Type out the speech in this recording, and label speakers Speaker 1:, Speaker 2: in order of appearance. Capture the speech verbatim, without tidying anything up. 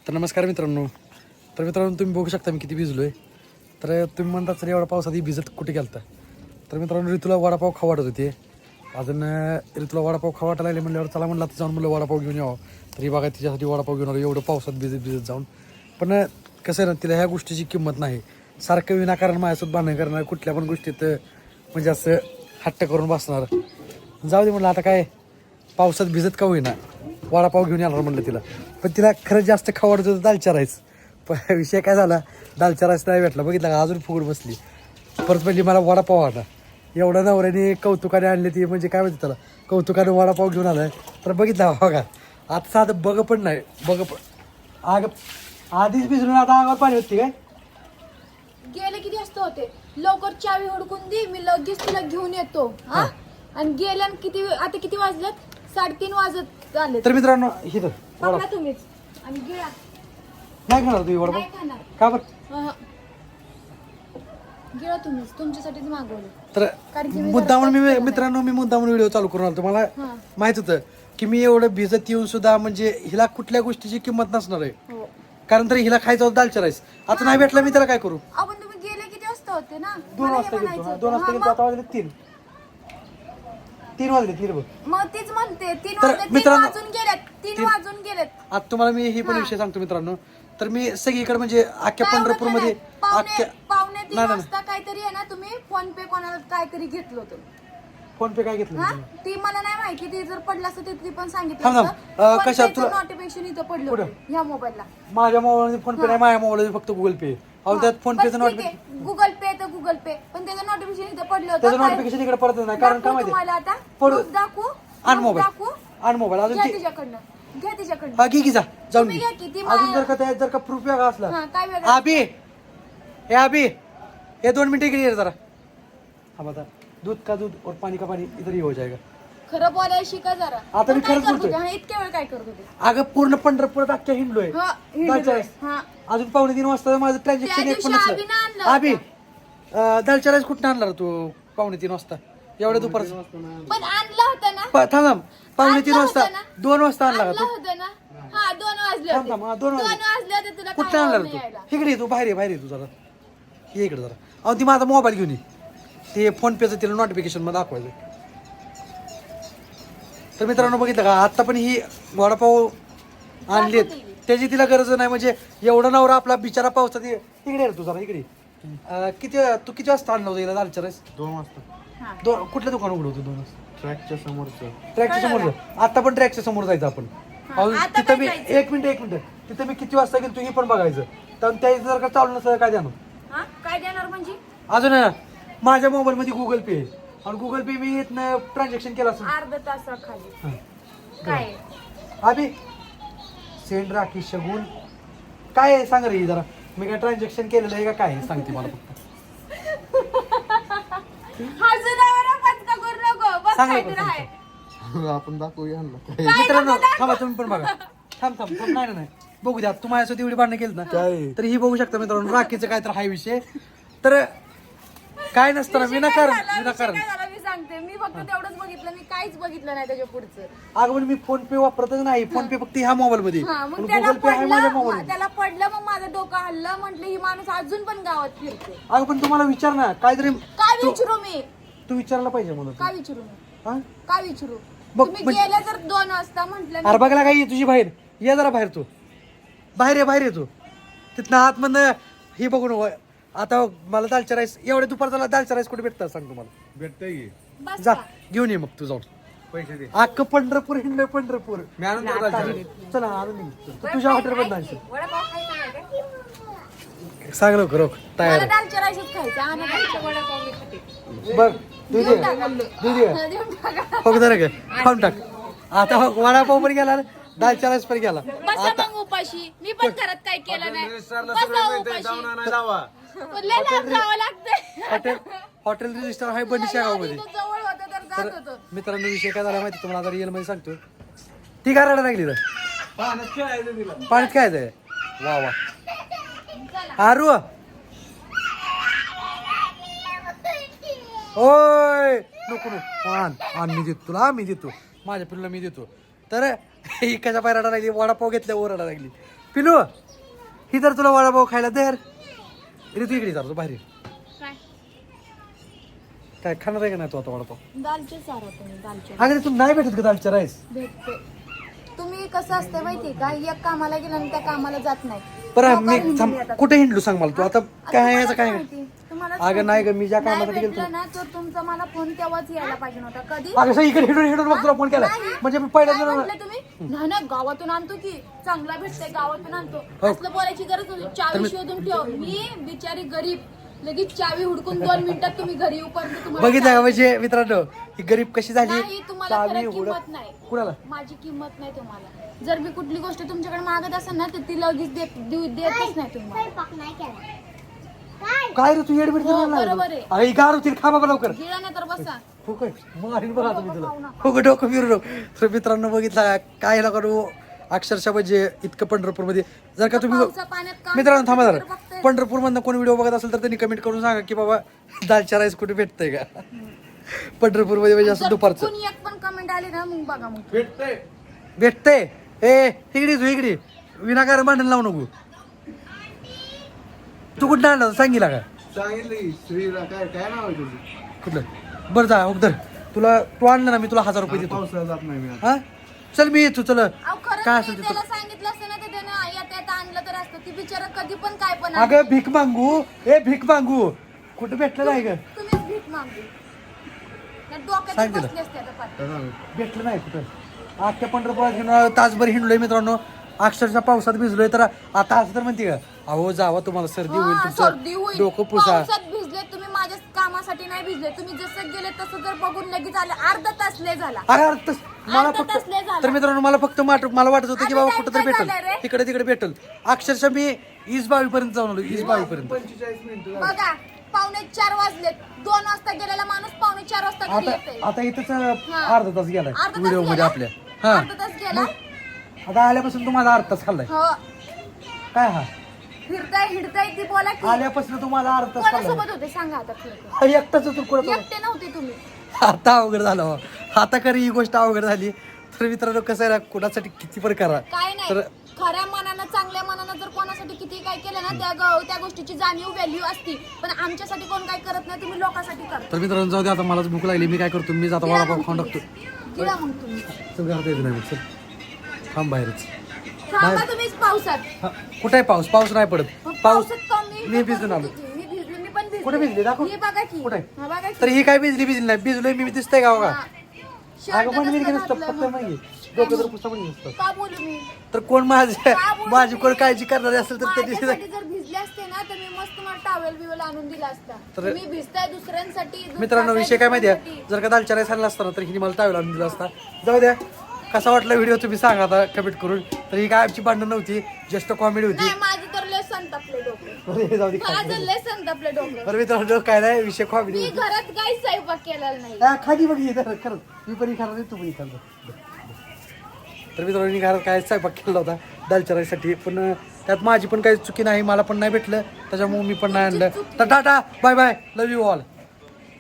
Speaker 1: तर नमस्कार मित्रांनो. तर मित्रांनो तुम्ही बघू शकता मी किती भिजलो आहे. तर तुम्ही म्हणता सर एवढा पावसात भिजत कुठे गेलता. तर मित्रांनो ऋतूला वडापाव खाऊ वाटत होते. अजून ऋतूला वडापाव खाऊ वाटायला लागले म्हणल्यावर चला म्हणलं आता जाऊन म्हणलं वडापाव घेऊन यावं. तरी बघा तिच्यासाठी वडापाव घेऊन आलो एवढं पावसात भिजत भिजत जाऊन. पण कसं आहे ना तिला ह्या गोष्टीची किंमत नाही. सारखं विनाकारण माझ्यासोबत भांडण करणार कुठल्या पण गोष्टीत म्हणजे असं हट्ट करून बसणार. जाऊ दे म्हणलं आता काय पावसात भिजत का होईना वडापाव घेऊन येणार म्हणलं तिला. पण तिला खरं जास्त खाऊ वाटत होतं दालचा राईस. पण विषय काय झाला दालचा राईस नाही भेटला. बघितला का अजून फुगड बसली. परत म्हणजे मला वडापाव आला. एवढा नवऱ्याने कौतुकाने आणले ती म्हणजे काय म्हणते त्याला कौतुकाने वडापाव घेऊन आलाय. तर बघितला बघा आता साधं बघ पण नाही बघ पण आग आधीच भिजून आता अंगावर पाणी होती काय.
Speaker 2: गेले किती वाजता होते लवकर चावी हुडकून दे मी लगेच तुला घेऊन येतो. हा आणि गेल्या किती आता किती वाजलेत साडेतीन वाजत आले.
Speaker 1: तर मित्रांनो ही तर
Speaker 2: पकडा तुम्हीच आणि गिळा.
Speaker 1: नाही खाणार तुम्ही वडापाव
Speaker 2: नाही खाणार
Speaker 1: का बरं.
Speaker 2: अहं. गिळा तुम्हीच तुमच्यासाठीच मागवलं.
Speaker 1: तर
Speaker 2: कारण की मी
Speaker 1: मुद्दामून
Speaker 2: जरा
Speaker 1: मी
Speaker 2: पटकन
Speaker 1: मित्रांनो मी मुद्दामून व्हिडिओ चालू करून आलो. मला
Speaker 2: हा.
Speaker 1: माहित होतं की मी एवढं भिजत येऊन सुद्धा म्हणजे हिला कुठल्या गोष्टीची किंमत नसणार आहे.
Speaker 2: हो
Speaker 1: कारण तरी हिला खायचं होतं दालचा राईस. आता नाही भेटला मी त्याला काय करू.
Speaker 2: आपण तुम्ही गेले किती वाजता होते ना
Speaker 1: दोन
Speaker 2: मला हे
Speaker 1: वाजता गेलो
Speaker 2: म्हणायचं
Speaker 1: हा,
Speaker 2: होतं.
Speaker 1: दोन वाजता
Speaker 2: हा,
Speaker 1: गेलो
Speaker 2: मग-
Speaker 1: आता वाजले तीन तीन वाजले तीन बघ.
Speaker 2: मग तीच म्हणते तीन
Speaker 1: तर
Speaker 2: वाजले तीन
Speaker 1: मित्रांनो-
Speaker 2: वाजून गेलेत तीन
Speaker 1: तीन-
Speaker 2: वाजून गेलेत.
Speaker 1: आता तुम्हाला मी ही पण विषय सांगतो मित्रांनो. तर मी सगळीकडे म्हणजे अख्ख्या
Speaker 2: काय
Speaker 1: पंढरपूर
Speaker 2: ओळखलं
Speaker 1: मध्ये
Speaker 2: नाही? पावणे
Speaker 1: अख्ख्या
Speaker 2: पावणे तीन
Speaker 1: नाही, नाही.
Speaker 2: वाजता काहीतरी आहे ना तुम्ही फोन पे कोणाला काहीतरी घेतलं होतं.
Speaker 1: फोन पे काय घेतलं
Speaker 2: हा
Speaker 1: मी?
Speaker 2: ती मला नाही माहिती ती जर पडलं असतं ते ती पण सांगितलं
Speaker 1: थांब, थांब. अं, कशात तुला-
Speaker 2: नोटिफिकेशन इथं पडलं
Speaker 1: कुठं?
Speaker 2: होतं ह्या मोबाईलला.
Speaker 1: माझ्या मोबाईल फोन पे नाही माझ्या मोबाईल फक्त गुगल पे. अहो त्यात फोन पेचं नोटिफिकेशन
Speaker 2: गुगल पे तर गुगल पे पण त्याचं नोटिफिकेशन इथं पडलं
Speaker 1: त्याचं
Speaker 2: होतं. काय-
Speaker 1: नोटिफिकेशन इकडे परत नाही. कारण काय
Speaker 2: दाखवू
Speaker 1: माहिती
Speaker 2: तुम्हाला आता
Speaker 1: पडू-
Speaker 2: Proof दाखवू
Speaker 1: आण
Speaker 2: Proof
Speaker 1: मोबाईल
Speaker 2: दाखवू
Speaker 1: आण मोबाईल अजून
Speaker 2: घ्या
Speaker 1: ती
Speaker 2: तिच्याकडनं घ्या तिच्याकडनं.
Speaker 1: हा घे की जा जाऊन
Speaker 2: तुम्ही
Speaker 1: घे.
Speaker 2: घ्या की, ती
Speaker 1: अजून
Speaker 2: मा-
Speaker 1: जर का त्यात जर का प्रूफ वेगळा असला
Speaker 2: हा काय वेगळं
Speaker 1: अभि हे अभि हे दोन मिनिटं इकडे ये जरा. हा बता दूध का दूध और पाणी का पाणी इधर ही हो जाएगा.
Speaker 2: खरं बोलायला शिका जरा.
Speaker 1: आता मी
Speaker 2: पण काय
Speaker 1: खरंच
Speaker 2: करत
Speaker 1: बोलतोय.
Speaker 2: होते? हा, इतक्या वेळ काय करत होते.
Speaker 1: अगं पूर्ण पंढरपुरात अख्ख्या हिंडलोय
Speaker 2: हा, हिंडलोय.
Speaker 1: दालचा राईस.
Speaker 2: हा.
Speaker 1: अजून पावणे तीन वाजता माझं ट्रान्झॅक्शन
Speaker 2: त्या
Speaker 1: एक पण
Speaker 2: दिवशी अभिनं आणलं
Speaker 1: नसलं.
Speaker 2: होतं.
Speaker 1: अभि अं, दालचा राईस कुठं आणला रे तू पावणे तीन वाजता एवढ्या दुपारचं
Speaker 2: पण आणला होता ना
Speaker 1: प- थांब थांब. पावणे तीन
Speaker 2: आणलं
Speaker 1: वाजता
Speaker 2: होतं ना?
Speaker 1: दोन वाजता आणला का
Speaker 2: आणला
Speaker 1: तू
Speaker 2: होता ना हा दोन वाजले
Speaker 1: थांब
Speaker 2: होते
Speaker 1: थांब हा, दोन
Speaker 2: दोन
Speaker 1: वाजले
Speaker 2: वाजले होते तुला
Speaker 1: कुठं
Speaker 2: काय
Speaker 1: आणला
Speaker 2: आवड
Speaker 1: रे
Speaker 2: नाही यायला.
Speaker 1: तू इकडे ये तू बाहेर ये बाहेर ये तू जरा ये इकडे जरा. अहो ती माझा मोबाईल घेऊन ये ते फोन पेचं तिला नोटिफिकेशन मध्ये दाखवायचं. तर मित्रांनो बघितलं का आता पण ही वडापाव आणलीत त्याची तिला गरज नाही. म्हणजे एवढा नवरा आपला बिचारा पावसात ये- इकडे ये रे तू जरा इकडे. अं, किती तू किती वाजता आणलं होतं हिला दालचा राईस.
Speaker 3: दोन वाजता
Speaker 2: हा.
Speaker 1: दोन कुठलं दुकान उघडं होतं दोन वाजता.
Speaker 3: ट्रॅकच्या समोरचं
Speaker 1: ट्रॅकच्या समोर आता पण ट्रॅकच्या समोर जायचं आपण.
Speaker 2: हा,
Speaker 1: अहो,
Speaker 2: आता
Speaker 1: तिथं मी
Speaker 2: काय जायचं?
Speaker 1: एक मिनिट एक मिनिट तिथं मी किती वाजता गेलो तुम्ही पण बघायचं. तर त्या जर का चालू नसतं काय द्या
Speaker 2: हा काय देणार म्हणजे
Speaker 1: अजून आहे ना, माझ्या मोबाईल मध्ये गुगल पे आहे आणि गुगल पे मी इथनं ट्रान्झॅक्शन केलं असेल.
Speaker 2: अर्धा तासाखाली
Speaker 1: हा.
Speaker 2: काय
Speaker 1: अभि सेंड राखी शगुन काय आहे सांग रे ही जरा. मी काय ट्रान्झॅक्शन केलेलं आहे का काय आहे? सांगते मला फक्त
Speaker 2: हजरावर पचका करू नको बस
Speaker 1: सांग
Speaker 2: काहीतरी
Speaker 1: लवकर,
Speaker 2: आहे.
Speaker 3: आपण दाखवूया ह्यांना काय.
Speaker 2: काय
Speaker 1: मित्रांनो
Speaker 2: नको दाखव.
Speaker 1: थांबा तुम्ही पण बघा. थांब थांब थांब नाही ना, नाही बघू द्या. तू माझ्यासोबत एवढी भांडणं केली ना
Speaker 3: काय?
Speaker 1: तर ही बघू शकता मित्रांनो राखीचं काय तर हा विषय. तर काय नसतं ना
Speaker 2: विषय काय
Speaker 1: विनाकारण
Speaker 2: झाला? विषय
Speaker 1: विनाकारण.
Speaker 2: काय झाला मी सांगते मी फक्त तेवढंच बघितलं मी काहीच बघितलं नाही त्याच्या पुढचं.
Speaker 1: अगं पण मी फोन पे वापरतच नाही. फोन पे फक्त ह्या मोबाईल मध्ये
Speaker 2: हा मग
Speaker 1: पण
Speaker 2: त्याला
Speaker 1: गुगल पे आहे माझ्या
Speaker 2: पडलं
Speaker 1: मोबाईल मध्ये.
Speaker 2: त्याला पडलं मग माझं डोकं हल्लं म्हटलं ही माणूस अजून पण गावात फिरते.
Speaker 1: अगं पण तुम्हाला विचार ना काहीतरी
Speaker 2: काय
Speaker 1: तू-
Speaker 2: विचारू मी
Speaker 1: तू विचारला पाहिजे मला
Speaker 2: काय विचारू मी
Speaker 1: तू. हा?
Speaker 2: काय विचारू
Speaker 1: बघ,
Speaker 2: तुम्ही
Speaker 1: म्हणजे-
Speaker 2: गेल्या जर दोन वाजता म्हटलं
Speaker 1: अरे बघला काय तुझी बाहेर ये जरा बाहेर तू बाहेर ये बाहेर ये तू तिथनं आतमधनं हे बघून व- आता मला दालचा राईस एवढ्या दुपारचा दालचा राईस कुठे भेटतात सांग तुम्हाला.
Speaker 3: भेटतंय की
Speaker 2: बस
Speaker 1: जा
Speaker 2: का?
Speaker 1: घेऊन ये मग तू जाऊन.
Speaker 3: पैसे दे
Speaker 1: अख्खं पंढरपूर हिंड पंढरपूर
Speaker 3: मी आणून देतो दालचा राईस.
Speaker 1: चला आणून दे. तू तुझ्या हॉटेल मध्ये नाही
Speaker 2: वडापाव खायचा नाही का?
Speaker 1: सांग लवकर रोख तयार
Speaker 2: मला दालच्या राईसच खायचा आणि खायचा वडापाव मी खाते.
Speaker 1: आहे. बघ दूध
Speaker 2: देऊन
Speaker 1: ये.
Speaker 2: टाका.
Speaker 1: दूध ये.
Speaker 2: देऊन टाका.
Speaker 1: हो जरा काय खाऊन टाक. आता हो वडापाव पण गेला दालचा राईस पण गेला.
Speaker 2: बसा मग उपाशी मी पण घरात काय केलं नाही
Speaker 3: रजिस्टरला
Speaker 2: बसा
Speaker 3: सगळं मिळतंय,
Speaker 2: उपाशी.
Speaker 3: जाऊन आणायला लावा.
Speaker 2: लय लांब जावं लागतंय.
Speaker 1: हॉटेल हॉटेल रजिस्टर आहे बंडीच्या गावामध्ये.
Speaker 2: इथं जवळ होतं तर जात
Speaker 1: तर
Speaker 2: होतं.
Speaker 1: मित्रांनो विषय काय झाला माहिती तुम्हाला आता रिअल मध्ये सांगतो. ती काय रडायला लागली तर
Speaker 3: पाण्यात खेळायचं तिला.
Speaker 1: पाण्यात काय आहे वा वा आरू ओय नको नको आण आण मी देतो तुला मी देतो माझ्या पिल्लूला मी देतो. तर ही कशा पाय रडायला लागली वडापाव घेतल्या वर रडायला लागली. पिलू ही तर तुला वडापाव खायला दर रे तू इकडे जातो बाहेर ये.
Speaker 2: काय
Speaker 1: काय खाणार आहे का नाही तू आता वडापाव
Speaker 2: दालचे सारा तुम्ही दालचे
Speaker 1: अगं तू नाही भेटत का दालच्या राईस
Speaker 2: भेटते तुम्ही कसं असते माहिती का एक कामाला गेला आणि त्या कामाला जात नाही
Speaker 1: बरं
Speaker 2: लोकं
Speaker 1: मी
Speaker 2: हिंडून
Speaker 1: थांब,
Speaker 2: येतात.
Speaker 1: कुठे हिंडलो सांग मला तू आता
Speaker 2: आता
Speaker 1: काय
Speaker 2: तुम्हाला
Speaker 1: याचं काय
Speaker 2: माहिती? तुम्हालाच
Speaker 1: अगं नाही ग मी ज्या
Speaker 2: नाही
Speaker 1: कामासाठी गेलो
Speaker 2: भेटलं ना तर तुमचा मला फोन तेव्हाच यायला पाहिजे नव्हता कधी
Speaker 1: अगं सर इकडे हिंडून हिंडून मग तुला फोन केला
Speaker 2: नाही.
Speaker 1: म्हणजे मी
Speaker 2: काय
Speaker 1: पहिल्यांदा
Speaker 2: म्हटलं तुम्ही नाही ना गावातून आणतो की चांगला भेटतंय गावातून आणतो
Speaker 1: हो.
Speaker 2: असलं बोलायची गरज होती चावी शोधून ठेव मी बिचारी गरीब लगेच चावी हुडकून दोन मिनिटात तुम्ही घरी येऊपर्यंत तुम्हाला
Speaker 1: बघितलं का म्हणजे मित्रांनो ही गरीब कशी झाली
Speaker 2: नाही तुम्हाला
Speaker 1: चावी
Speaker 2: खरं
Speaker 1: हुडक
Speaker 2: किंमत नाही
Speaker 1: कुणाला
Speaker 2: माझी किंमत नाही तुम्हाला जर मी कुठली गोष्ट तुमच्याकडे मागत असेल ना तर ती लगेच देत देऊ- देतच नाही तुम्हाला
Speaker 1: काय रे तू एडमिट
Speaker 2: हो, बरोबर आहे.
Speaker 1: अरे गार होतील खा बाबा लवकर
Speaker 2: गिळा नाही तर बसा
Speaker 1: हो काय मारीन बघा तुम्ही तुला
Speaker 2: खाऊ नका.
Speaker 1: हो गं, डोकं फिरू नको तर मित्रांनो बघितला का? काय नका करू अक्षरशः म्हणजे इतकं पंढरपूर मध्ये जर का तुम्ही
Speaker 2: पावसा पाण्यात काम
Speaker 1: मित्रांनो थांबा
Speaker 2: करतो तर
Speaker 1: जरा
Speaker 2: बघताय.
Speaker 1: पंढरपूर मधनं कोणी व्हिडिओ बघत असेल तर त्यांनी कमेंट करून सांगा की बाबा दालच्या राईस कुठे भेटतंय का पंढरपूर मध्ये म्हणजे असं
Speaker 2: जर
Speaker 1: दुपारचं
Speaker 2: कोणी एक पण कमेंट आली ना मग बघा मग
Speaker 3: भेटतंय
Speaker 1: भेटतंय ए इकडे तू इकडे विनाकारण भांडण लावू नको तू कुठं आणला होता? सांगितला का
Speaker 3: सांगितलं की श्रीला काय काय नाव आहे तुझं
Speaker 1: कुठलं बरं जा उधर तुला तू आणलं ना मी तुला हजार रुपये देतो
Speaker 3: पावसाळ्यात जात नाही मी आता.
Speaker 1: हा चल मी येतो चल
Speaker 2: अहो खरं
Speaker 1: काय
Speaker 2: मी
Speaker 1: असेल ते
Speaker 2: त्याला सांगितलं असतं ना तर त्यानं येता येता आणलं तर असतं ती बिचारा कधी पण काय पण आणतं.
Speaker 1: अगं भीक मागू ए भीक मागू कुठं भेटलं नाही ग
Speaker 2: तुम्हीच भीक मागू त्या डोक्यात
Speaker 1: सांग तिला.
Speaker 2: बसले असते आता पाठ.
Speaker 3: काय नाव आहे?
Speaker 1: भेटलं नाही कुठं अख्ख्या पंढरपुरात घेऊन तासभर हिंडलोय मित्रांनो अक्षरशः पावसात भिजलोय तर आता असं तर म्हणते का अहो जावा तुम्हाला सर्दी होईल
Speaker 2: हा, सर्दी
Speaker 1: तुमचं
Speaker 2: होईल
Speaker 1: डोकं पुसा
Speaker 2: पावसात भिजले तुम्ही माझ्या कामासाठी नाही भिजले तुम्ही जसं गेले तसं जर बघून लगेच आले अर्धा तास लय झाला
Speaker 1: अरे अरे तस- मला
Speaker 2: अर्धा
Speaker 1: फक्त
Speaker 2: तास लय झाला.
Speaker 1: तर मित्रांनो मला फक्त माट- मला वाटत होतं की
Speaker 2: आता
Speaker 1: बाबा
Speaker 2: time
Speaker 1: कुठं तरी
Speaker 2: काय
Speaker 1: भेटल
Speaker 2: झालंय रे?
Speaker 1: इकडे तिकडे भेटल अक्षरशः मी ईस बावी पर्यंत जाऊन आलो ईस बावी पर्यंत
Speaker 3: पंचेचाळीस मिनिटं झाली.
Speaker 2: बघा पावणे चार वाजले दोन वाजता गेलेला माणूस पावणे चार वाजता घरी
Speaker 1: आता
Speaker 2: येते
Speaker 1: आता इथंच
Speaker 2: हा.
Speaker 1: अर्धा तास गेलाय
Speaker 2: अर्धा तास
Speaker 1: व्हिडिओ मध्ये
Speaker 2: गेला?
Speaker 1: आपल्या हा
Speaker 2: अर्धा तास गेला
Speaker 1: आता आल्यापासून तुम्हाला अर्धा तास खाल्लाय
Speaker 2: हो
Speaker 1: काय हा
Speaker 2: फिरताय हिडताय ती बोला की
Speaker 1: आल्यापासून तुम्हाला अर्धा तास खाल्लाय
Speaker 2: कोणासोबत होते सांगा आता फिरतो
Speaker 1: हा, एकटाच होतो कुठं
Speaker 2: एकटे नव्हते तुम्ही
Speaker 1: आता अवघड झालं हो. आता खरी ही गोष्ट अवघड झाली तर मित्रांनो कसं आहे ना कुणासाठी किती पण करा
Speaker 2: काय नाही
Speaker 1: तर
Speaker 2: खऱ्या मनानं चांगल्या मनानं जर कोणासाठी किती काय केलं ना त्या ग- त्या गोष्टीची जाणीव व्हॅल्यू असती पण आमच्यासाठी कोण काय करत नाही तुम्ही लोकांसाठी करता
Speaker 1: तर मित्रांनो जाऊ दे आता मलाच भूक लागली मी काय करतो मी जाता
Speaker 2: गिळा
Speaker 1: वडापाव
Speaker 2: मग
Speaker 1: खाऊन
Speaker 2: तुम्ही.
Speaker 1: टाकतो
Speaker 2: गिळा मग तुम्ही
Speaker 1: चल घरात येत नाही मग, चल थांब बाहेरच
Speaker 2: थांबा तुम्हीच पावसात
Speaker 1: हा, कुठे आहे पाऊस पाऊस नाही पडत
Speaker 2: मग
Speaker 1: पाऊस
Speaker 2: पावसात कमी
Speaker 1: मी भिजून आलो
Speaker 2: मी भिजले मी पण भिजले
Speaker 1: कुठे भिजली दाखव
Speaker 2: ही बघा की
Speaker 1: कुठे?
Speaker 2: हा बघा की
Speaker 1: तर ही काय भिजली भिजली नाही भिजलोय मी दिसतंय का बघा
Speaker 2: हा. शर्ट
Speaker 1: अगं पण मी
Speaker 2: नसतं
Speaker 1: नसतं
Speaker 2: घातलं
Speaker 1: फक्त
Speaker 2: मग.
Speaker 1: नाही डोकं तर पुस्तक पण नसतं
Speaker 2: का बोलू मी
Speaker 1: तर कोण माझे
Speaker 2: का बोलू
Speaker 1: माझी
Speaker 2: मी?
Speaker 1: कोण काळजी करणारे असेल तर त्यांनी
Speaker 2: माझ्यासाठी जर भिजले असते ना तर मी मस्त मला टावेल बिवेल आणून दिला असता
Speaker 1: तर-
Speaker 2: मी भिजताय दुसऱ्यांसाठी
Speaker 1: मित्रांनो विषय काय माहिती आहे जर का दालच्या राईस आणला असता ना तर हिने मला टावेल आणून दिला असता जाऊ द्या कसा वाटला व्हिडिओ तुम्ही सांगा आता कमेंट करून तर ही काय आमची भांडण नव्हती जस्ट कॉमेडी होती
Speaker 2: नाही माझं तर लय संतापले डोकं
Speaker 1: अरे जाऊ दे काय
Speaker 2: माझं लय संतापले डोकं
Speaker 1: बरं मित्रांनो काय नाही विषय कॉमेडी
Speaker 2: मी
Speaker 1: होती
Speaker 2: घरात काही स्वयंपाक केलेला नाही
Speaker 1: हा, खाली बघ हे खरंच मी पण खाणार नाही तू पण खाणार तर मित्रांनो मी घरात काय स्वयंपाक केला होता दालच्या राईसाठी पण त्यात माझी पण काही चुकी नाही मला पण नाही भेटलं त्याच्यामुळे मी पण नाही आणलं तर tata bye bye love you all